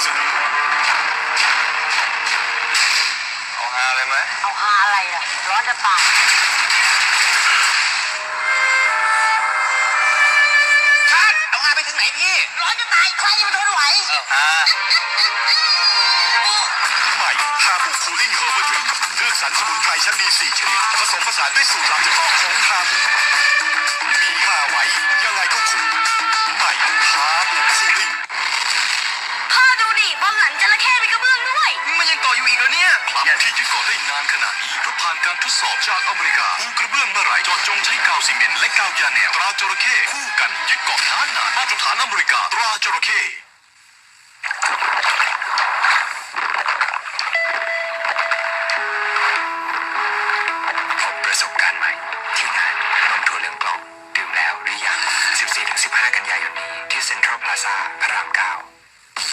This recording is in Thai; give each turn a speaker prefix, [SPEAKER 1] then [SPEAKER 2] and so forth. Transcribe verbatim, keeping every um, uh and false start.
[SPEAKER 1] เสนอเอาฮาเลยไหม
[SPEAKER 2] เอาฮาอะไรล่ะร้อนจะตาย
[SPEAKER 1] เอาฮาไปถึงไหนพี่
[SPEAKER 2] ร้อนจะตายใครจะมาทนไหว
[SPEAKER 1] เอาฮาใหม่ฮาบุคูลิ่งเฮอร์เบอร์ดริงเลือกสรรสมุนไพรชั้นดีสี่ชนิดผสมผสานด้วยสูตรลับเฉพาะของฮาบุมีฮาไว้ยังไงก็คุ้มใหม่ฮาบุคูลิ่ง
[SPEAKER 2] พ่อดูดิบอลหลังจระเข้มีกระเบื้องด้วย
[SPEAKER 1] มันยังเกาะอยู่อีกเหรอเนี่ยครับที่ยึดเกาะได้นานขนาดนี้เพราะผ่านการทดสอบจากอเมริกาปูกระเบื้องเมื่อไหร่จอดจงใช้กาวซีเมนต์และกาวยาแนวตราจระเข้คู่กันยึดเกาะนานนานมาตรฐานอเมริกาตราจระเข้พบประสบการณ์ใหม่ที่งานนมถั่วเหลืองกล่องดื่มแล้วหรือยัง สิบสี่ถึงสิบห้า กันยายนนี้ที่เซ็นทรัลพลาซ่าพระรามเก้า